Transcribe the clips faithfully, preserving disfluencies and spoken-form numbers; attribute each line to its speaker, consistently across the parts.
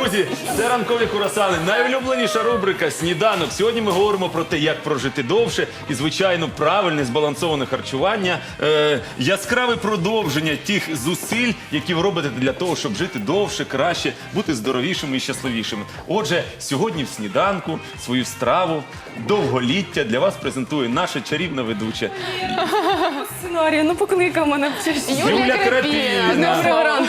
Speaker 1: Друзі, це ранкові курасани. Найулюбленіша рубрика «Сніданок». Сьогодні ми говоримо про те, як прожити довше і, звичайно, правильне збалансоване харчування. Е, яскраве продовження тих зусиль, які ви робите для того, щоб жити довше, краще, бути здоровішими і щасливішими. Отже, сьогодні в «Сніданку» свою страву довголіття для вас презентує наша чарівна ведуча
Speaker 2: Сценарій, ну покликав мене.
Speaker 1: Юля Крапівна.
Speaker 2: Доброго ранку.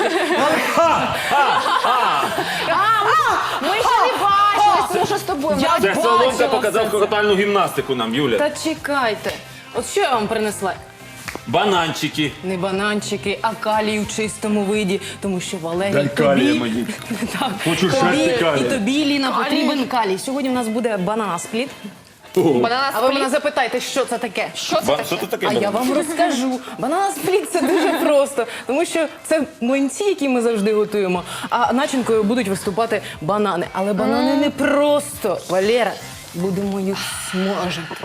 Speaker 3: Ми ще не бачились, тому що з тобою.
Speaker 2: Я
Speaker 1: Це Соломка
Speaker 2: бачила
Speaker 1: показав
Speaker 2: це.
Speaker 1: хохотальну гімнастику нам, Юля.
Speaker 2: Та чекайте. От що я вам принесла?
Speaker 1: Бананчики.
Speaker 2: Не бананчики, а калій у чистому виді, тому що Валерій
Speaker 1: Дай
Speaker 2: тобі...
Speaker 1: калія мені.
Speaker 2: Так,
Speaker 1: Хочу
Speaker 2: тобі
Speaker 1: шерсти калія.
Speaker 2: і тобі, Ліна, потрібен калій. Сьогодні у нас буде бананаспліт.
Speaker 3: Банана
Speaker 2: А ви мене
Speaker 3: спліт.
Speaker 2: запитайте, що це таке?
Speaker 3: Що це
Speaker 1: Ба-
Speaker 3: таке?
Speaker 1: Що це таке?
Speaker 2: А я вам розкажу. Бананаспліт – це дуже просто, тому що це млинці, які ми завжди готуємо, а начинкою будуть виступати банани. Але банани не просто, Валера. Будемо їх смажити.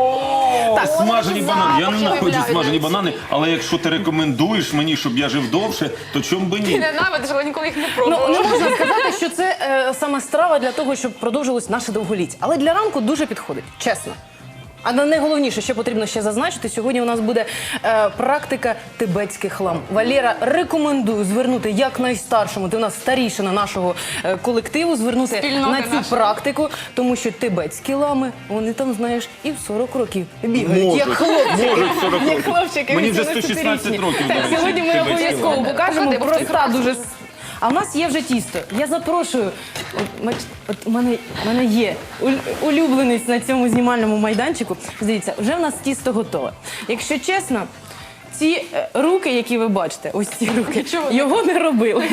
Speaker 1: О,
Speaker 2: Так,
Speaker 1: смажені
Speaker 3: от
Speaker 1: банани. Я
Speaker 3: запахи
Speaker 1: ненавиджу
Speaker 3: виявляють
Speaker 1: смажені
Speaker 3: навіть.
Speaker 1: банани, але якщо ти рекомендуєш мені, щоб я жив довше, то чому би
Speaker 3: Ти
Speaker 1: ні?
Speaker 3: ненавидиш, але ніколи їх не
Speaker 2: Ну, не
Speaker 3: пробувала.
Speaker 2: можна сказати, що це е, саме страва для того, щоб продовжилось наше довголіття. Але для ранку дуже підходить, чесно. А на найголовніше, що потрібно ще зазначити, сьогодні у нас буде е, практика тибетських лам. Валера, рекомендую звернути як найстаршому, ти у нас старішина нашого е, колективу, звернути
Speaker 3: Спільноти
Speaker 2: на цю
Speaker 3: нашої.
Speaker 2: практику, тому що тибетські лами, вони там, знаєш, і в сорок років бігають,
Speaker 1: Можуть,
Speaker 2: як хлопчики.
Speaker 1: можуть сорок
Speaker 2: Як
Speaker 1: років.
Speaker 2: хлопчики,
Speaker 1: Мені вже сто
Speaker 2: вісімнадцятирічні.
Speaker 1: шістнадцять років,
Speaker 2: Так,
Speaker 1: до речі,
Speaker 2: сьогодні ми
Speaker 1: тибетські
Speaker 2: обов'язково
Speaker 1: лами.
Speaker 2: покажемо
Speaker 3: Поклади, бо
Speaker 2: проста
Speaker 3: хтось
Speaker 2: дуже. А в нас є вже тісто. Я запрошую. От, мач- от у мене, у мене є уль- улюбленець на цьому знімальному майданчику. Дивіться, вже в нас тісто готове. Якщо чесно, ці е, руки, які ви бачите, ось ці руки, його не робили.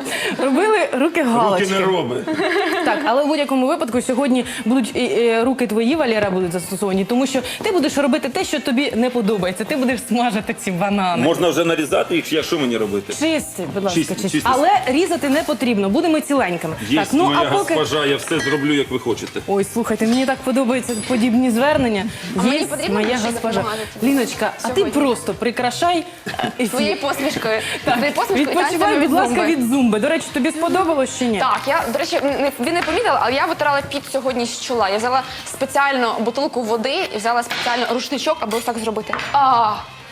Speaker 2: Робили руки галочки.
Speaker 1: Руки не роби.
Speaker 2: Так, але в будь-якому випадку сьогодні будуть е, е, руки твої, Валера, будуть застосовані, тому що ти будеш робити те, що тобі не подобається. Ти будеш смажити ці банани.
Speaker 1: Можна вже нарізати їх, як що мені робити?
Speaker 2: Чисти, будь ласка,
Speaker 1: Чисти,
Speaker 2: чисти.
Speaker 1: чисти.
Speaker 2: Але різати не потрібно, будемо ціленькими.
Speaker 1: Є
Speaker 2: Так, ну
Speaker 1: моя
Speaker 2: а поки.
Speaker 1: госпожа, я все зроблю, як ви хочете.
Speaker 2: Ой, слухайте, мені так подобаються подібні звернення.
Speaker 3: А мені
Speaker 2: Є
Speaker 3: потрібно
Speaker 2: моя
Speaker 3: більше
Speaker 2: госпожа.
Speaker 3: допомагати тобі
Speaker 2: Ліночка, а ти
Speaker 3: сьогодні?
Speaker 2: просто прикрашай е, ефір.
Speaker 3: Своєю посмішкою. Своєю посмішкою і
Speaker 2: Відпочивай,
Speaker 3: танцями
Speaker 2: будь
Speaker 3: від
Speaker 2: ласка,
Speaker 3: зумби.
Speaker 2: від зумби. До речі, тобі сподобалось чи ні?
Speaker 3: Так, я, до речі, не- ви не помітили, але я витирала під сьогодні з чола. Я взяла спеціально бутилку води і взяла спеціально рушничок, аби ось так зробити. А,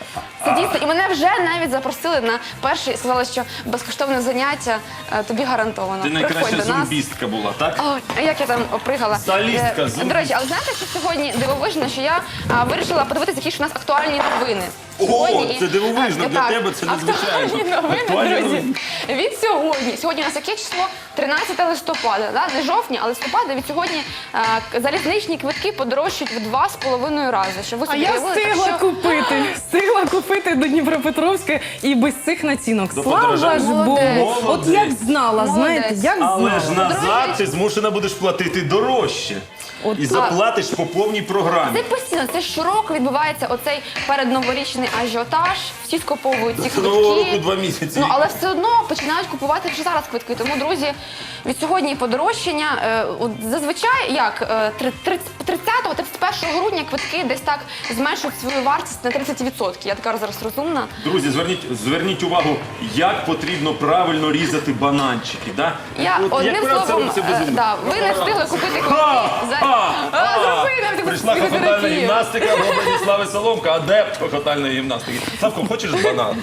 Speaker 3: це дійсно. І мене вже навіть запросили на перший, сказали, що безкоштовне заняття е, тобі гарантовано.
Speaker 1: Ти найкраща
Speaker 3: Приходь до нас.
Speaker 1: зумбістка була, так?
Speaker 3: Ой, а як я там опригала.
Speaker 1: Солістка,
Speaker 3: Е,
Speaker 1: зумбіст.
Speaker 3: До речі, але знаєте, що сьогодні дивовижно, що я а, вирішила подивитися, які ж у нас актуальні новини. Сьогодні-
Speaker 1: це дивовижно,
Speaker 3: А,
Speaker 1: для
Speaker 3: так,
Speaker 1: тебе це незвичайно.
Speaker 3: Актуальні новини,
Speaker 1: Актуальні
Speaker 3: друзі.
Speaker 1: новини.
Speaker 3: Від сьогодні. Сьогодні у нас яке число? тринадцяте листопада, да? Не жовтня, а листопада. Від сьогодні а, залізничні квитки подорожчають в два з половиною рази. Щоб ви
Speaker 2: А
Speaker 3: собі
Speaker 2: я
Speaker 3: уявили, так
Speaker 2: встигла
Speaker 3: що-
Speaker 2: купити, встигла купити до Дніпропетровська і без цих націнок.
Speaker 1: До
Speaker 2: Слава
Speaker 1: подорожання.
Speaker 2: ж Богу!
Speaker 3: Молодець.
Speaker 2: От як знала,
Speaker 3: Молодець.
Speaker 2: знаєте, як
Speaker 1: Але ж
Speaker 2: знала.
Speaker 1: назад ти змушена будеш платити дорожче.
Speaker 2: От,
Speaker 1: І заплатиш по повній програмі.
Speaker 3: Це постійно, це щороку відбувається оцей передноворічний ажіотаж. Всі скуповують ці
Speaker 1: Це
Speaker 3: квитки.
Speaker 1: нового року два місяці.
Speaker 3: Ну, але все одно починають купувати вже зараз квитки. Тому, друзі, від сьогодні подорожчання. Е, от зазвичай, як е, тридцятого тридцять першого грудня квитки десь так зменшують свою вартість на тридцять відсотків. Я така зараз розумна.
Speaker 1: Друзі, зверніть, зверніть увагу, як потрібно правильно різати бананчики. Да?
Speaker 3: Я
Speaker 1: От
Speaker 3: одним
Speaker 1: як правильно це
Speaker 3: словом,
Speaker 1: робиться без
Speaker 3: е,
Speaker 1: зуби?
Speaker 3: да, ви не встигли купити квитки. За...
Speaker 1: Ха!
Speaker 3: А, зроби нам таку
Speaker 1: Прийшла хохотальна
Speaker 3: психотерапію.
Speaker 1: гімнастика в образі Слави Соломка, адепт хохотальної гімнастики. Славко, хочеш банан?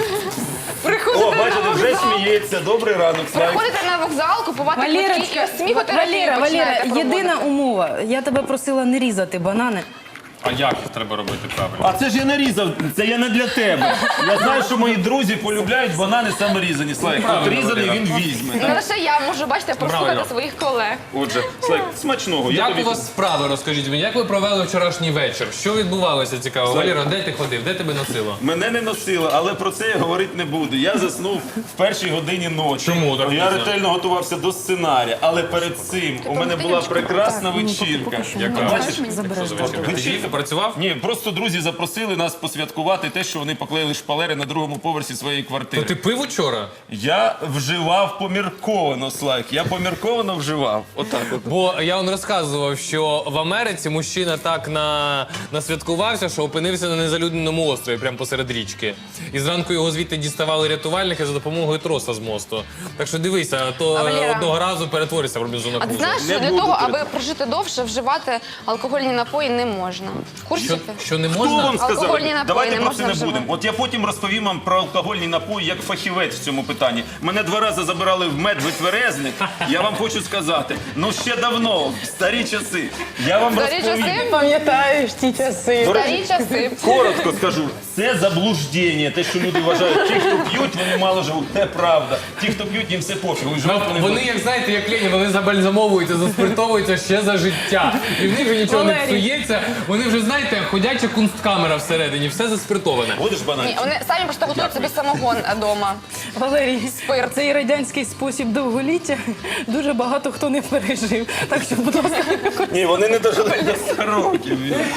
Speaker 1: О,
Speaker 3: Приходите
Speaker 1: бачите,
Speaker 3: на
Speaker 1: вже
Speaker 3: вокзал.
Speaker 1: сміється. Добрий ранок, Славі.
Speaker 3: Приходите на вокзал, купувати квитки і
Speaker 2: Валерочка,
Speaker 3: ось сміхотерапію
Speaker 2: Валера, Валера,
Speaker 3: починаєте проводити.
Speaker 2: єдина умова. Я тебе просила не різати банани.
Speaker 4: А як треба робити правильно?
Speaker 1: А це ж я не різав, це я не для тебе. Я знаю, що мої друзі полюбляють банани саме різані. Славік, от
Speaker 4: Правильно,
Speaker 1: різаний
Speaker 4: Валера.
Speaker 1: він візьме.
Speaker 3: Не
Speaker 1: так?
Speaker 3: лише я можу, бачите, прослухати
Speaker 4: Правильно.
Speaker 3: своїх колег.
Speaker 1: Отже, Славік, смачного. Я
Speaker 4: Як
Speaker 1: тобі...
Speaker 4: у вас справи, розкажіть мені, як ви провели вчорашній вечір? Що відбувалося цікаво? Валера, де ти ходив? Де тебе носило?
Speaker 1: Мене не носило, але про це я говорити не буду. Я заснув в першій годині ночі.
Speaker 4: Чому так
Speaker 1: Я
Speaker 4: пізно?
Speaker 1: ретельно готувався до сценарія, але перед цим у мене була прекрасна вечірка.
Speaker 4: Яка?
Speaker 1: Бачиш,
Speaker 4: Що за вечірка?
Speaker 1: вечірка
Speaker 4: працював?
Speaker 1: Ні, просто друзі запросили нас посвяткувати те, що вони поклеїли шпалери на другому поверсі своєї
Speaker 4: То
Speaker 1: квартири.
Speaker 4: ти пив учора?
Speaker 1: Я вживав помірковано, Слайк. Я помірковано вживав. Отак от.
Speaker 4: Бо я вам розказував, що в Америці мужчина так на... насвяткувався, що опинився на незалюдненому острові, прямо посеред річки. І зранку його звідти діставали рятувальники за допомогою троса з мосту. Так що дивися, а то
Speaker 3: А, Валера?
Speaker 4: одного разу перетворишся в Робінзона
Speaker 3: А ти
Speaker 4: Крузо.
Speaker 3: знаєш,
Speaker 1: Не
Speaker 3: що для
Speaker 1: буду
Speaker 3: того,
Speaker 1: перед-
Speaker 3: аби прожити довше, вживати алкогольні напої не можна. В курсі
Speaker 4: Що,
Speaker 3: ти?
Speaker 4: що не
Speaker 1: Хто
Speaker 4: можна?
Speaker 1: вам сказав?
Speaker 3: Алкогольні напої
Speaker 1: Давайте
Speaker 3: не
Speaker 1: про
Speaker 3: можна
Speaker 1: це не
Speaker 3: вживати.
Speaker 1: будемо. От я потім розповім вам про алкогольні напої як фахівець в цьому питанні. Мене два рази забирали в медвитверезник. Я вам хочу сказати, ну ще давно, в старі часи. Я вам
Speaker 3: Старі
Speaker 1: розповім.
Speaker 3: часи?
Speaker 2: Пам'ятаєш ті часи.
Speaker 1: До речі,
Speaker 3: Старі часи.
Speaker 1: коротко скажу, це заблуждення. Те, що люди вважають, ті, хто п'ють, вони мало живуть. Це правда. Ті, хто п'ють, їм все пофігу. І живуть вони
Speaker 4: Вони, як знаєте, як Лені, вони забальзамовуються, заспиртовуються ще за життя. І в них вже нічого не
Speaker 2: Валерій.
Speaker 4: псується. Вони вже, знаєте, ходяча кунсткамера всередині, все заспиртоване.
Speaker 1: будеш
Speaker 3: Ні,
Speaker 1: бананчик?
Speaker 3: вони самі просто готують собі самогон вдома.
Speaker 2: Валерій,
Speaker 3: Спирт.
Speaker 2: цей радянський спосіб довголіття дуже багато хто не пережив. Так що, будь ласка,
Speaker 1: Ні, вони не дожили до ста років.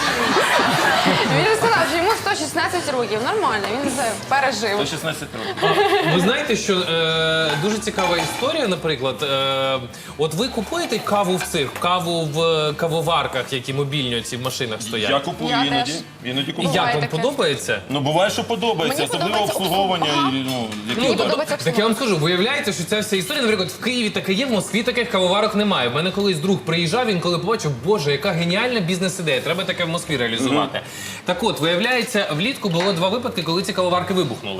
Speaker 3: Він сказав, що йому сто шістнадцять років. Нормально, він вже пережив.
Speaker 1: До шістнадцяти років.
Speaker 4: Ви знаєте, що е, дуже цікава історія, наприклад, е, от ви купуєте каву в цих, каву в кавоварках, які мобільні ці в машинах стоять?
Speaker 1: Я купую
Speaker 3: Я
Speaker 1: іноді.
Speaker 3: теж.
Speaker 1: Іноді
Speaker 4: І
Speaker 1: купую.
Speaker 4: як вам
Speaker 3: Буває таке.
Speaker 4: подобається?
Speaker 1: Ну буває, що подобається,
Speaker 3: Мені
Speaker 1: особливо
Speaker 3: подобається
Speaker 1: обслуговування.
Speaker 3: обслуг-
Speaker 1: і, ну, які
Speaker 3: Мені
Speaker 1: удобно.
Speaker 3: подобається
Speaker 4: Так я вам скажу, виявляється, що ця вся історія, наприклад, в Києві таке є, в Москві таких кавоварок немає. В мене колись друг приїжджав, він коли побачив, боже, яка геніальна бізнес-ідея, треба таке в Москві реалізувати. Так от, виявляється, влітку було два випадки, коли ці кавоварки вибухнули.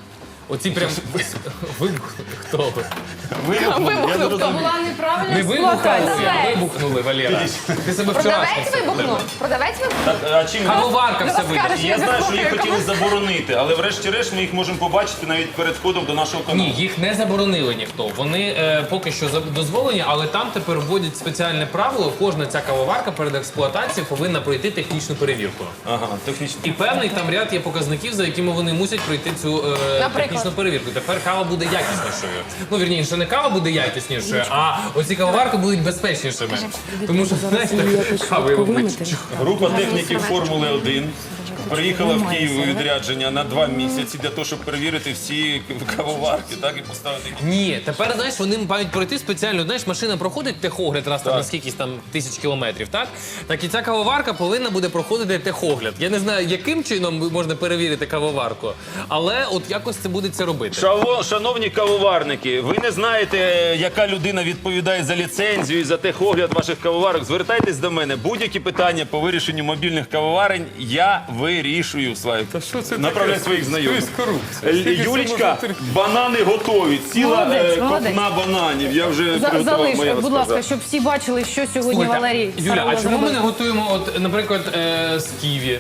Speaker 4: Оці прям вибухнули. Хто ви?
Speaker 1: Вибухнули, я не розумію.
Speaker 2: була неправильна
Speaker 4: Не вибухнули,
Speaker 2: експлуатація.
Speaker 4: а вибухнули, Валера. Ти себе вчорашньо.
Speaker 3: Продавець вибухнув? Продавець вибухнув?
Speaker 1: Так, а чим
Speaker 4: Кавоварка все
Speaker 3: скажеш,
Speaker 4: вибухнула.
Speaker 1: Я знаю, що
Speaker 3: Я
Speaker 1: їх
Speaker 3: не
Speaker 1: хотіли
Speaker 3: знаю,
Speaker 1: заборонити, але врешті-решт ми їх можемо побачити навіть перед входом до нашого каналу.
Speaker 4: Ні, їх не заборонили ніхто. Вони е, поки що за- дозволені, але там тепер вводять спеціальне правило. Кожна ця кавоварка перед експлуатацією повинна пройти технічну перевірку.
Speaker 1: Ага, технічно.
Speaker 4: І певний там ряд є показників, за якими вони мусять пройти цю е,
Speaker 3: Наприклад?
Speaker 4: технічну перевірку. Тепер кава буде якіснішою. Ну, вірніше, не кава буде якіснішою, а оці кавоварки будуть безпечнішими. Тому що, знаєте, кави вибухнуть.
Speaker 1: Група техніків Формули один приїхала в Київ у відрядження на два місяці для того, щоб перевірити всі кавоварки, так, і поставити їх.
Speaker 4: Ні, тепер, знаєш, вони мають пройти спеціально. Знаєш, машина проходить техогляд раз там на скількись там тисяч кілометрів, так? Так і ця кавоварка повинна буде проходити техогляд. Я не знаю, яким чином можна перевірити кавоварку, але от якось це буде це робити.
Speaker 1: Шаво, шановні кавоварники, ви не знаєте, яка людина відповідає за ліцензію і за техогляд ваших кавоварок. Звертайтесь до мене. Будь-які питання по вирішенню мобільних кавоварень я вирішую, Слайк. Направляй своїх знайомих. Е, Юлічка, банани готові. Ціла
Speaker 2: Молодець,
Speaker 1: е,
Speaker 2: молодець.
Speaker 1: копна бананів. Я вже
Speaker 2: За-
Speaker 1: приготував,
Speaker 2: Залиш,
Speaker 1: моя
Speaker 2: будь ласка,
Speaker 1: розказа.
Speaker 2: щоб всі бачили, що сьогодні
Speaker 4: Слухайте,
Speaker 2: Валерій
Speaker 4: Юля,
Speaker 2: Сарола
Speaker 4: а чому ми
Speaker 2: зробив.
Speaker 4: не готуємо, от, наприклад, е, з ківі?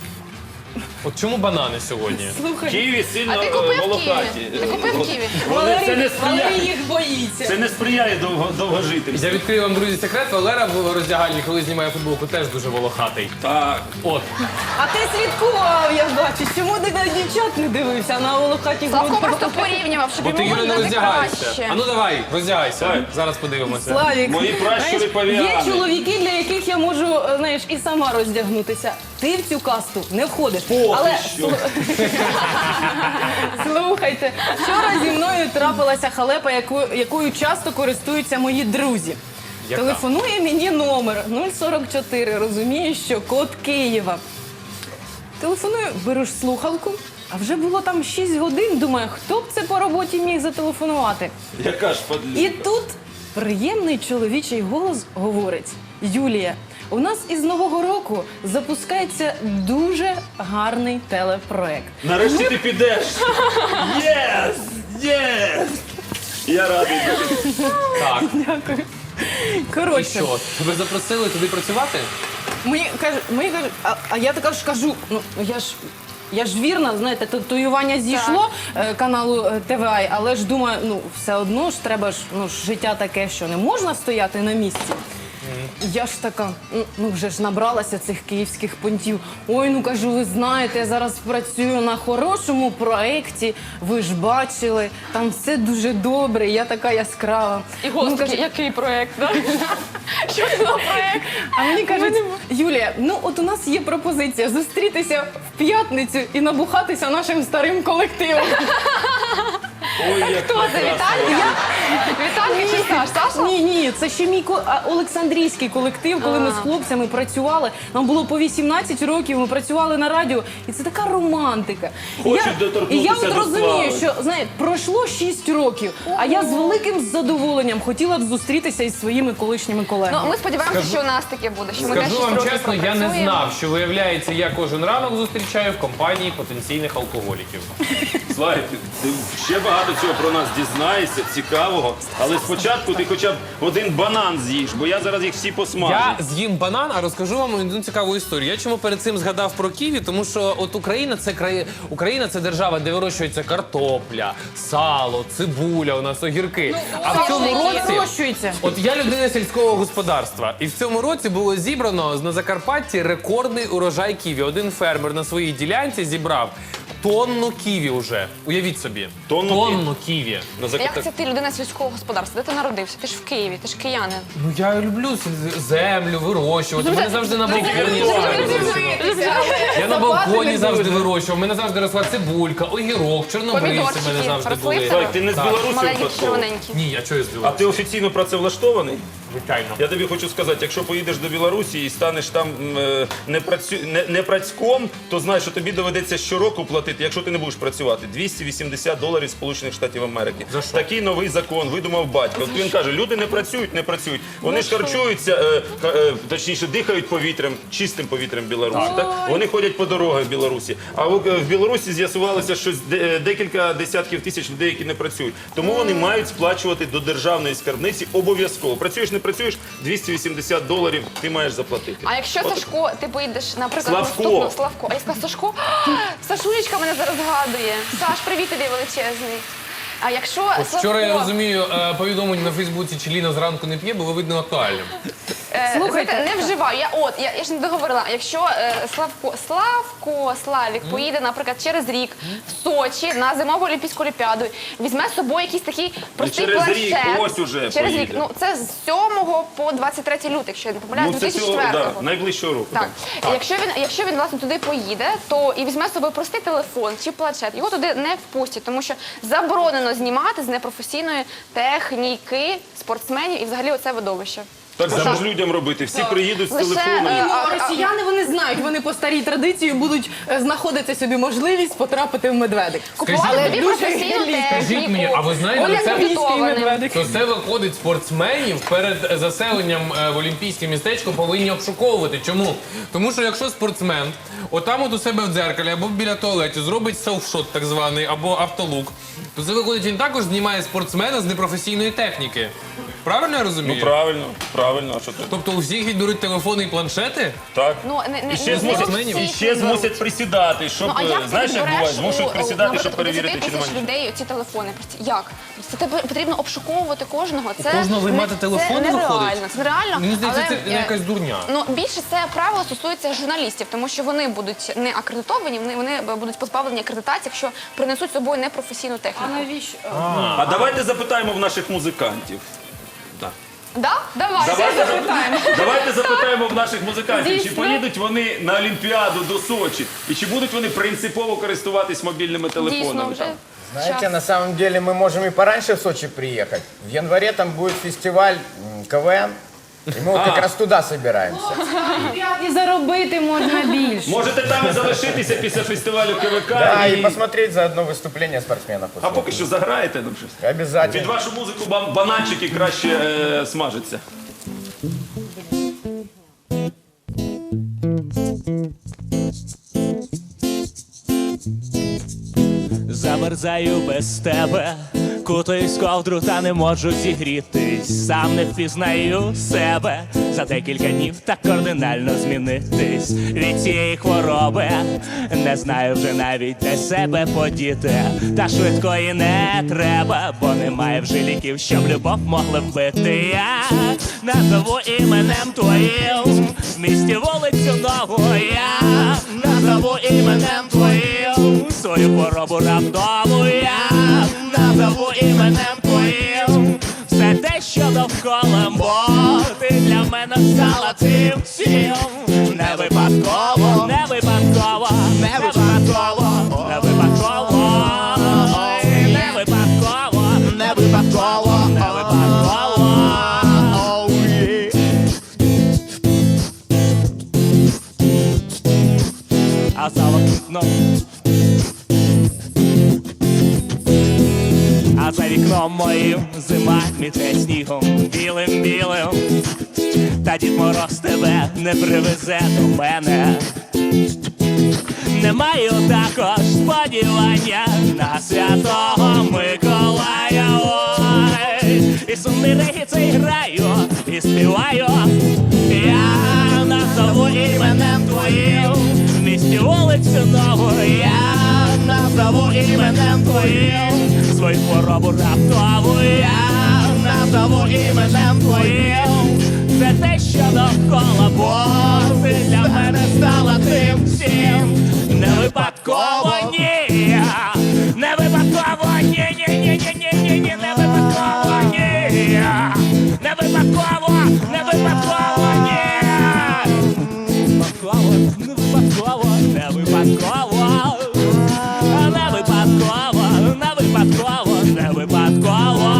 Speaker 4: От чому банани сьогодні?
Speaker 2: Слухай,
Speaker 1: Києві сильно
Speaker 3: А ти
Speaker 1: е,
Speaker 3: купив
Speaker 1: волохаті.
Speaker 3: ківі? Ти купив ківі?
Speaker 1: Вони це не
Speaker 2: Валерій, Валерій
Speaker 1: сприяє.
Speaker 2: їх боїться.
Speaker 1: Це не сприяє довго, довгожительству.
Speaker 4: Я відкрию вам, друзі, секрет. Валера в роздягальні, коли знімає футболку, теж дуже волохатий.
Speaker 1: Так.
Speaker 4: От.
Speaker 2: А ти слідкував, я бачу. Чому ти на дівчат не дивився, на волохаті
Speaker 3: Славко
Speaker 2: груди?
Speaker 3: просто порівнював, щоб
Speaker 4: Бо ти,
Speaker 3: йому
Speaker 4: Юля, не
Speaker 3: виглядати
Speaker 4: роздягаєшся.
Speaker 3: краще.
Speaker 4: А ну давай, роздягайся.
Speaker 1: Давай.
Speaker 4: Зараз подивимося.
Speaker 2: Славік,
Speaker 1: Мої пращури
Speaker 2: знаєш,
Speaker 1: павіани.
Speaker 2: є чоловіки, для яких я можу, е, знаєш, і сама роздягнутися. Ти в цю касту не входиш.
Speaker 1: Поки
Speaker 2: Але
Speaker 1: що.
Speaker 2: слу- слухайте, вчора зі мною трапилася халепа, яку, якою часто користуються мої друзі.
Speaker 4: Яка?
Speaker 2: Телефонує мені номер нуль сорок чотири, розумієш, що код Києва. Телефоную, беру ж слухавку, а вже було там шість годин, думаю, хто б це по роботі міг зателефонувати.
Speaker 1: Яка ж
Speaker 2: І
Speaker 1: подлюка.
Speaker 2: тут приємний чоловічий голос говорить: Юлія, у нас із Нового року запускається дуже гарний телепроект.
Speaker 1: Нарешті ти підеш. Єс! Єс! Я радий.
Speaker 4: Так.
Speaker 2: Дякую.
Speaker 4: І
Speaker 2: Коротше,
Speaker 4: що? Тебе запросили туди працювати?
Speaker 2: мені кажуть, мені кажуть, а, а я така ж кажу, ну я ж. Я ж вірна, знаєте, татуювання зійшло е, каналу е, Т В А, але ж думаю, ну все одно ж треба ж, ну ж життя таке, що не можна стояти на місці. Я ж така, ну, ну вже ж набралася цих київських понтів. Ой, ну кажу, ви знаєте, я зараз працюю на хорошому проєкті, ви ж бачили, там все дуже добре, я така яскрава.
Speaker 3: І
Speaker 2: Ну,
Speaker 3: господи,
Speaker 2: кажу,
Speaker 3: який проєкт, да? Що це за проект?
Speaker 2: А мені кажуть, Юлія, ну от у нас є пропозиція зустрітися в п'ятницю і набухатися нашим старим колективом.
Speaker 1: Ой, як
Speaker 3: Хто це, Віталька? Віталька чи Саш? Саша?
Speaker 2: Ні, ні, це ще мій ко- а, Олександрійський колектив, коли ми з хлопцями працювали. Нам було по вісімнадцять років, ми працювали на радіо, і це така романтика. І
Speaker 1: Хочуть
Speaker 2: я,
Speaker 1: доторкнутися
Speaker 2: і я от
Speaker 1: до
Speaker 2: розумію,
Speaker 1: слави.
Speaker 2: що знаєте, пройшло шість років, а я з великим задоволенням хотіла б зустрітися із своїми колишніми колегами.
Speaker 3: Ну, ми сподіваємося, що у нас таке буде, що ми теж
Speaker 4: Скажу
Speaker 3: шість
Speaker 4: вам
Speaker 3: років
Speaker 4: чесно, я не
Speaker 3: пропрацюємо.
Speaker 4: знав, що виявляється, я кожен ранок зустрічаю в компанії потенційних алкоголіків.
Speaker 1: Славік, ти ще багато цього про нас дізнаєшся, цікавого. Але спочатку ти хоча б один банан з'їш, бо я зараз їх всі посмажу.
Speaker 4: Я з'їм банан, а розкажу вам одну цікаву історію. Я чому перед цим згадав про ківі, тому що от Україна це краї... Україна це держава, де вирощується картопля, сало, цибуля, у нас огірки. а в цьому
Speaker 3: соняшники.
Speaker 4: році
Speaker 2: Вирощується.
Speaker 4: От я людина сільського господарства, і в цьому році було зібрано на Закарпатті рекордний урожай ківі. Один фермер на своїй ділянці зібрав тонну ківі вже. Уявіть собі.
Speaker 1: Тонну
Speaker 4: Тонну ківі.
Speaker 1: На
Speaker 3: А
Speaker 1: зак-
Speaker 3: як це ти людина сільського господарства? Де ти народився? Ти ж в Києві, ти ж киянин.
Speaker 4: Ну я люблю сіль- землю, вирощувати. Мене завжди на балконі. Я на балконі завжди вирощував. У мене завжди росла цибулька, огірок, чорнобривці в мене
Speaker 3: Помідорчики
Speaker 4: завжди
Speaker 3: росли
Speaker 4: були.
Speaker 3: в тебе?
Speaker 1: Славік, ти не з
Speaker 4: Так.
Speaker 1: Білорусі
Speaker 3: Маленькі,
Speaker 1: випадково?
Speaker 3: червоненькі.
Speaker 4: Ні, а чого я
Speaker 1: А
Speaker 4: здивував?
Speaker 1: ти офіційно працевлаштований?
Speaker 4: Звичайно.
Speaker 1: Я тобі хочу сказати, якщо поїдеш до Білорусі і станеш там м, е, не, працю... не, не працьком, то знай, що тобі доведеться щороку платити, якщо ти не будеш працювати, двісті вісімдесят доларів Сполучених Штатів Америки.
Speaker 4: За що?
Speaker 1: Такий новий закон видумав батько. От він каже, люди не працюють, не працюють. Вони ж харчуються, е, ка- е, точніше, дихають повітрям, чистим повітрям Білорусі. Так? Вони ходять по дорогах в Білорусі. А в, в Білорусі з'ясувалося, що з- де- декілька десятків тисяч людей, які не працюють. Тому вони мають сплачувати до державної скарбниці обов'язково. Працюєш, не працюєш, двісті вісімдесят доларів ти маєш заплатити.
Speaker 3: А якщо
Speaker 1: От-
Speaker 3: Сашко, ти поїдеш, наприклад,
Speaker 1: Славко.
Speaker 3: наступного Славко, а я сказала Сашко, Сашулечка мене зараз згадує. Саш, привіт тобі величезний. А якщо
Speaker 4: От вчора я
Speaker 3: Славко,
Speaker 4: розумію е, повідомлення на Фейсбуці, чи Ліна зранку не п'є, було видно актуальним.
Speaker 3: е,
Speaker 2: Слухайте.
Speaker 3: знаєте, не вживаю. Я от я, я ж не договорила. Якщо е, Славко, Славко, Славік поїде, наприклад, через рік в Сочі на зимову олімпійську олімпіаду, візьме з собою якийсь такий простий
Speaker 1: через
Speaker 3: планшет.
Speaker 1: рік, ось уже
Speaker 3: через рік.
Speaker 1: поїде.
Speaker 3: Ну це з сьомого по двадцять третій лютого, якщо я не помиляюсь,
Speaker 1: Ну, це цього,
Speaker 3: двадцять четвертого.
Speaker 1: да, найближчого року.
Speaker 3: Так. Якщо він, якщо він власне туди поїде, то і візьме з собою простий телефон чи планшет, його туди не впустять, тому що заборонено знімати з непрофесійної техніки спортсменів і взагалі оце видовище.
Speaker 1: Так треба ж людям робити. Всі приїдуть з
Speaker 3: Лише,
Speaker 1: телефонами.
Speaker 3: е,
Speaker 2: Ну, а росіяни вони знають, вони по старій традиції будуть е, знаходити собі можливість потрапити в медведик.
Speaker 3: Купували
Speaker 4: Скажіть
Speaker 3: тобі
Speaker 2: мені,
Speaker 3: професійну
Speaker 2: дуже
Speaker 3: техніку.
Speaker 4: Скажіть мені, а ви знаєте,
Speaker 3: Оля
Speaker 4: це-
Speaker 3: підготовлений.
Speaker 2: медведик.
Speaker 4: То це виходить спортсменів перед заселенням е, в олімпійське містечко повинні обшуковувати. Чому? Тому що якщо спортсмен отам от у себе в дзеркалі або біля туалету зробить селфшот так званий, або автолук, то це виходить, він також знімає спортсмена з непрофесійної техніки. Правильно я розумію?
Speaker 1: Ну правильно, правильно. А що ти?
Speaker 4: Тобто у всіх відберуть телефони і планшети?
Speaker 1: Так.
Speaker 3: Ну, не, не,
Speaker 1: І ще
Speaker 3: не
Speaker 1: змусять,
Speaker 3: всіх
Speaker 1: і ще
Speaker 3: не
Speaker 1: змусять
Speaker 3: беруть.
Speaker 1: присідати, щоб,
Speaker 3: Ну, а
Speaker 1: е,
Speaker 3: як
Speaker 1: знаєш,
Speaker 3: ти
Speaker 1: як буває,
Speaker 3: береш
Speaker 1: змушують
Speaker 3: у,
Speaker 1: присідати,
Speaker 3: у,
Speaker 1: щоб
Speaker 3: наприклад,
Speaker 1: перевірити,
Speaker 3: десять
Speaker 1: чи немає
Speaker 3: тисяч
Speaker 1: нічого.
Speaker 3: людей ці телефони. Просто як? Це тебе потрібно обшуковувати кожного. Це
Speaker 4: кожного виймати
Speaker 3: не-
Speaker 4: телефони
Speaker 3: це
Speaker 4: виходить?
Speaker 3: нереально. Це нереально.
Speaker 4: Мені здається,
Speaker 3: але,
Speaker 4: це
Speaker 3: е,
Speaker 4: якась дурня.
Speaker 3: Ну, більше це правило стосується журналістів, тому що вони будуть не акредитовані, вони, вони будуть позбавлені акредитації, якщо принесуть з собою непрофесійну
Speaker 2: А
Speaker 3: техніку.
Speaker 2: навіщо?
Speaker 1: А давайте запитаємо в наших музикантів.
Speaker 3: Да? Давай.
Speaker 1: Давайте запитаємо. Давайте запитаємо в наших музикантів, чи
Speaker 2: Дійсно.
Speaker 1: поїдуть вони на Олімпіаду до Сочі, і чи будуть вони принципово користуватись мобільними
Speaker 3: Дійсно,
Speaker 1: телефонами.
Speaker 3: вже
Speaker 1: там?
Speaker 5: Знаете,
Speaker 3: час.
Speaker 5: на самом деле мы можем и пораньше в Сочи приехать. В январе там будет фестиваль м, КВН, и мы вот как раз туда собираемся.
Speaker 2: І заробити можна більше.
Speaker 1: Можете там і залишитися після фестивалю КВК.
Speaker 5: Да,
Speaker 1: і...
Speaker 5: и посмотреть заодно выступление спортсменов.
Speaker 1: А поки що заграєте нам щось. Під
Speaker 5: Обязательно.
Speaker 1: вашу музику ба- бананчики краще е, смажаться.
Speaker 6: Замерзаю без тебе, кутаюсь в ковдру та не можу зігрітись. Сам не впізнаю себе, за декілька днів так кардинально змінитись. Від цієї хвороби не знаю вже навіть де себе подіти. Та швидкої не треба, бо немає вже ліків, щоб любов могли вбити. Я назову іменем твоїм, в місті вулицю нову я назову іменем твоїм, свою хворобу раптову я назову іменем твоїм, все те, що довкола, бо ти для мене стала тим всім. Не випадково, не випадково, не випадково, не випадково, не випадково, не випадково, не випадково. Oh, yeah. А за вікном, а за вікном моїм зима міте снігом білим-білим. Та Дід Мороз тебе не привезе до мене. Не маю також сподівання на Святого Миколая. Ой, і сумний регіт цей граю, і співаю. Я назову іменем твоїм в місті вулицю нову. Я назову іменем твоїм свою хворобу раптову. Я назову іменем твоїм це те, що довкола, бо ти для мене стала тим всім. Не випадково, ні, не випадково, ні, ні, ні, ні, ні, ні, ні, не випадково, ні, не випадково, не випадково, ні. Випадково, не випадково, не випадково, не випадково, не випадково, не випадково.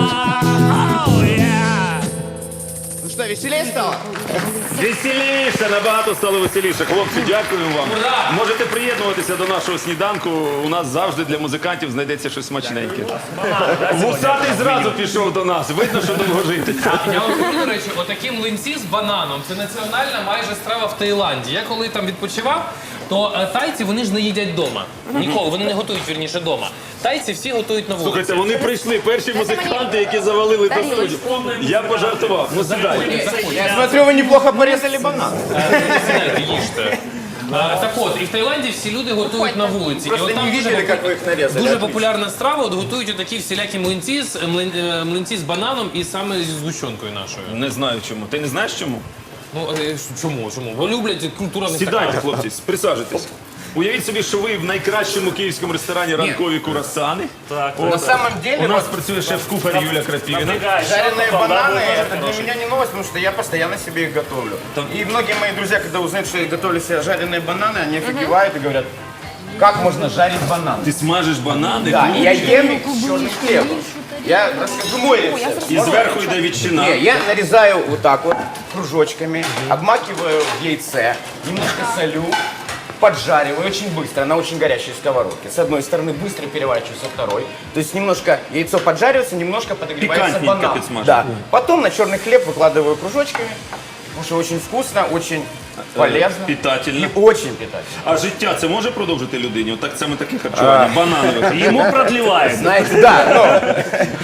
Speaker 6: Oh, yeah.
Speaker 5: Ну что, веселее стало?
Speaker 1: Веселіше, набагато стало веселіше. Хлопці, дякую вам. Можете приєднуватися до нашого сніданку. У нас завжди для музикантів знайдеться щось смачненьке. Вусатий зразу пішов до нас. Видно, що довго жити.
Speaker 4: Я вам скажу, до речі, отакі млинці з бананом. Це національна майже страва в Таїланді. Я коли там відпочивав, то е, тайці вони ж не їдять вдома. Ніколи, вони не готують, вірніше, вдома. Тайці всі готують на вулиці.
Speaker 1: Слухайте, вони прийшли, перші музиканти, які завалили до студії. Я пожартував. Ну сідайте.
Speaker 5: Я смотрю, вы неплохо порезали банан.
Speaker 4: Знаєте, їжте. А, так от, і в Таїланді всі люди готують на вулиці.
Speaker 5: Просто
Speaker 4: і от там
Speaker 5: не
Speaker 4: дуже,
Speaker 5: видели, как вы их нарезали.
Speaker 4: дуже
Speaker 5: Отлично.
Speaker 4: популярна страва, от готують отакі всілякі млинці з, млин, е, млинці з бананом і саме зі згущенкою нашою.
Speaker 1: Не знаю чому. Ти не знаєш чому?
Speaker 4: Ну, е, чому, чому? Бо люблять культура не
Speaker 1: Сідайте,
Speaker 4: така.
Speaker 1: хлопці, присаджуйтесь. Уявіть собі, що ви в найкращому київському ресторані ранкові курасани.
Speaker 6: Так,
Speaker 5: На самом деле,
Speaker 1: У нас
Speaker 5: вот
Speaker 1: працює шеф-кухар Юля Крапівіна.
Speaker 5: жареные бананы, это для меня не новость, потому что я постоянно себе их готовлю. И многие мои друзья, когда узнают, что я готовлю себе жареные бананы, они офигевают и говорят, как можно жарить бананы?
Speaker 1: Ти смажиш банани,
Speaker 5: Да, и я ем их с черным хлебом. Я расскажу мой рецепт.
Speaker 1: і зверху йде ветчина.
Speaker 5: Не, я нарезаю вот так вот кружочками, обмакиваю в яйце, немножко солю, поджариваю очень быстро на очень горячей сковородке. С одной стороны быстро переворачиваю со второй. То есть немножко яйцо поджаривается, немножко подогревается
Speaker 1: Пикантненько
Speaker 5: банан.
Speaker 1: подсмаживаю.
Speaker 5: Да. Потом на черный хлеб выкладываю кружочками, потому что очень вкусно, очень полезно.
Speaker 1: питательно.
Speaker 5: И очень питательно.
Speaker 1: А життя це може продовжити людині? От так саме таке харчування, бананове.
Speaker 6: Йому продлівають.
Speaker 5: Знаете, да, но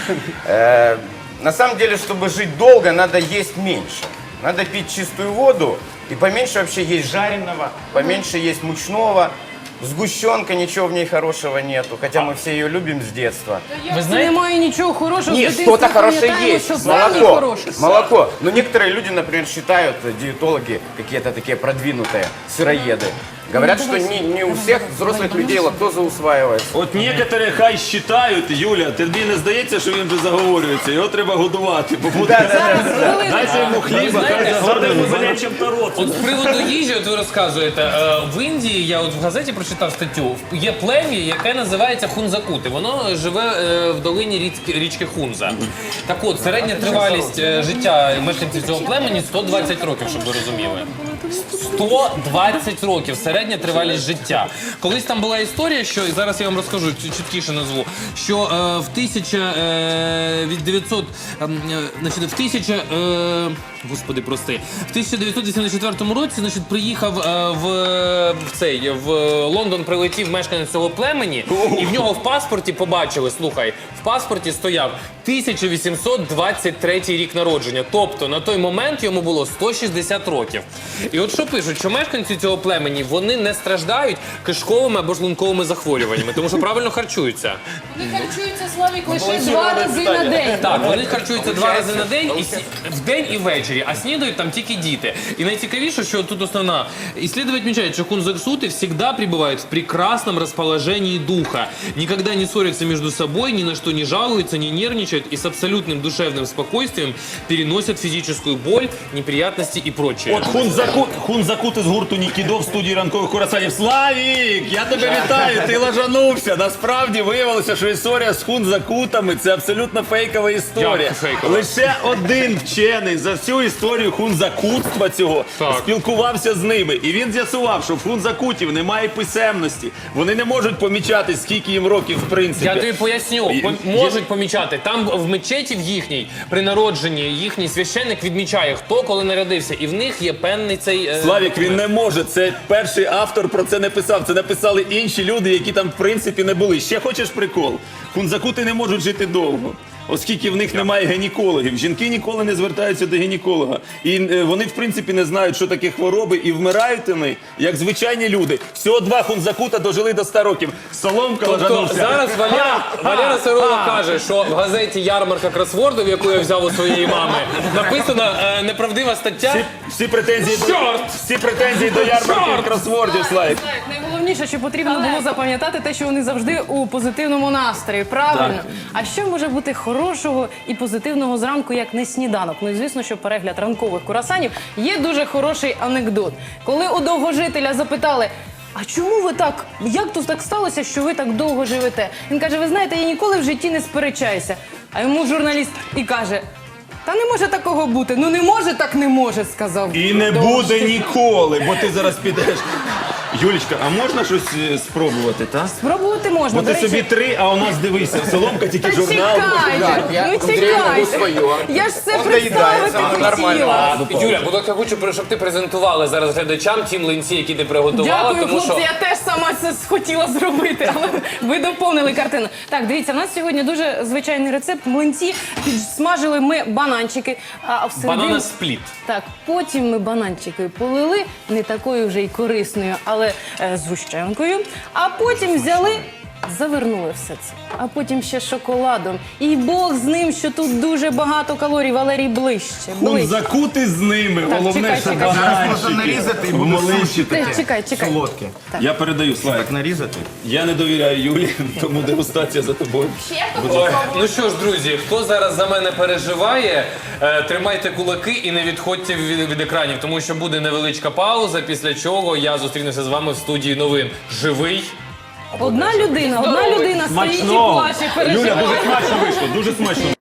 Speaker 5: э, на самом деле, чтобы жить долго, надо есть меньше. Надо пить чистую воду и поменьше вообще есть жареного, поменьше есть мучного. Сгущенка, ничего в ней хорошего нету, хотя мы все ее любим с детства.
Speaker 4: Ви
Speaker 2: Це
Speaker 4: знаєте,
Speaker 2: немає нічого хорошого.
Speaker 5: Нет,
Speaker 2: з дитинства
Speaker 5: что-то хорошее
Speaker 2: пам'ятаємо,
Speaker 5: есть.
Speaker 2: що певні
Speaker 5: Молоко.
Speaker 2: хороші.
Speaker 5: Молоко. Но некоторые люди, например, считают, диетологи, какие-то такие продвинутые сыроеды, говорят, что не, не у всех взрослых людей лактоза усваивается.
Speaker 1: От некоторі хай считають, Юля, тобі не здається, що він вже заговорюється, його треба годувати, бо буде... Дайте йому хліба, хай
Speaker 4: знаєте,
Speaker 1: заговорює.
Speaker 4: от з приводу їжі, от ви розказуєте, е, в Індії, я от в газеті прочитав статтю, є плем'я, яке називається хунзакути. Воно живе е, в долині річки, річки Хунза. Так от, середня тривалість е, життя мешканців цього племені сто двадцять років, щоб ви розуміли. сто двадцять років середня тривалість життя. Колись там була історія, що і зараз я вам розкажу, чіт- чіткіше назву, що е, в тисяча е, від дев'ятсот, е, значить, в тисяча, е, господи, прости, в тисяча дев'ятсот вісімдесят четвертому році, значить, приїхав е, в, в цей в Лондон, прилетів мешканець цього племені, і в нього в паспорті побачили, слухай, в паспорті стояв тисяча вісімсот двадцять третій рік народження. Тобто на той момент йому було сто шістдесят років. І от що пишуть, що мешканці цього племені, вони не страждають кишковими або шлунковими захворюваннями, тому що правильно харчуються.
Speaker 2: Вони харчуються, Славік, лише два рази на день.
Speaker 4: Так, вони харчуються два рази на день, і сі- в день і ввечері, а снідають там тільки діти. І найцікавіше, що тут основна. Исследователь отмечает, что хунзаксуты всегда пребывают в прекрасном расположении духа, никогда не ссорятся между собой, ни на что не жалуются, не нервничают и с абсолютным душевным спокойствием переносят физическую боль, неприятности и прочее.
Speaker 1: От хунзаку, хунзакути з гурту Нікідо в студії ранкових курасанів. Славік, я тебе вітаю, ти лажанувся. Насправді виявилося, що історія з хунзакутами – це абсолютно фейкова історія.
Speaker 4: Як фейкова?
Speaker 1: Лише один вчений за всю історію хунзакутства цього
Speaker 4: Так.
Speaker 1: спілкувався з ними. І він з'ясував, що в хунзакутів немає писемності. Вони не можуть помічати, скільки їм років в принципі.
Speaker 4: Я тобі поясню,
Speaker 1: Є-
Speaker 4: Пом- можуть помічати. Там в мечеті в їхній, при народженні, їхній священник відмічає, хто коли народився. І в них є певний цей... е,
Speaker 1: Славік, він не може. Це перший автор про це не писав. Це написали інші люди, які там в принципі не були. Ще хочеш прикол? Хунзакути не можуть жити довго. Оскільки в них немає гінекологів. Жінки ніколи не звертаються до гінеколога. І е, вони, в принципі, не знають, що таке хвороби, і вмирають вони, як звичайні люди. Всього два хунзакута дожили до ста років. Соломка
Speaker 4: Тобто
Speaker 1: лажанувся.
Speaker 4: зараз Валера, Валера Сирова каже, що в газеті «Ярмарка кросвордів», яку я взяв у своєї мами, написана е, неправдива стаття.
Speaker 1: Всі, всі, претензії до,
Speaker 4: Чорт!
Speaker 1: всі претензії до ярмарки
Speaker 4: Чорт!
Speaker 1: кросвордів, Славік.
Speaker 2: Славік, найголовніше, що потрібно було запам'ятати те, що вони завжди у позитивному настрої. Правильно. А що може бути хорошого і позитивного зранку, як не сніданок? Ну і звісно, що перегляд ранкових курасанів є дуже хороший анекдот. Коли у довгожителя запитали: а чому ви так, як тут так сталося, що ви так довго живете? Він каже: ви знаєте, я ніколи в житті не сперечаюся. А йому журналіст і каже: та не може такого бути. Ну не може, так не може, сказав.
Speaker 1: І не буде ніколи, бо ти зараз підеш. Юлічка, а можна щось е, спробувати, так?
Speaker 2: Спробувати можна.
Speaker 1: Бо ти
Speaker 2: До речі,
Speaker 1: собі три, а у нас дивися, соломка тільки
Speaker 2: Та
Speaker 1: журнал.
Speaker 2: чекайте,
Speaker 5: Я-
Speaker 2: ну
Speaker 5: Андрій, могу
Speaker 2: чекайте.
Speaker 5: своє.
Speaker 2: Я ж все
Speaker 5: Он
Speaker 2: представити
Speaker 5: доїдає, це нормально.
Speaker 2: хотіла.
Speaker 4: Юля, будь ласка, хочу, щоб ти презентувала зараз глядачам ті млинці, які ти приготувала,
Speaker 2: Дякую,
Speaker 4: тому
Speaker 2: хлопці,
Speaker 4: що...
Speaker 2: я теж сама це хотіла зробити, але ви доповнили картину. Так, дивіться, у нас сьогодні дуже звичайний рецепт. Млинці підсмажили ми бананчики, а всередині...
Speaker 4: Банана спліт.
Speaker 2: Так, потім ми бананчики полили, не такою вже й корисною, але е, згущенкою. А потім взяли, завернули все це. А потім ще шоколадом. І Бог з ним, що тут дуже багато калорій. Валерій, ближче, ближче.
Speaker 1: Закути з ними,
Speaker 2: Так,
Speaker 1: головне,
Speaker 2: чекай,
Speaker 1: що
Speaker 2: чекай.
Speaker 5: Зараз можна
Speaker 1: бананчики.
Speaker 5: нарізати і буде
Speaker 1: Маленькі
Speaker 5: суші
Speaker 1: такі.
Speaker 2: Ти, чекай, чекай.
Speaker 5: солодке.
Speaker 1: Я передаю, Славік.
Speaker 5: Так нарізати?
Speaker 1: Я не довіряю Юлі, тому дегустація за тобою.
Speaker 4: Ой, ну що ж, друзі, хто зараз за мене переживає, е, тримайте кулаки і не відходьте від, від екранів, тому що буде невеличка пауза, після чого я зустрінуся з вами в студії новин. Живий.
Speaker 2: Одна людина, одна людина стоїть і
Speaker 1: Смачного.
Speaker 2: плаче,
Speaker 1: Юля,
Speaker 2: переживає.
Speaker 1: дуже смачно вийшло, дуже смачно.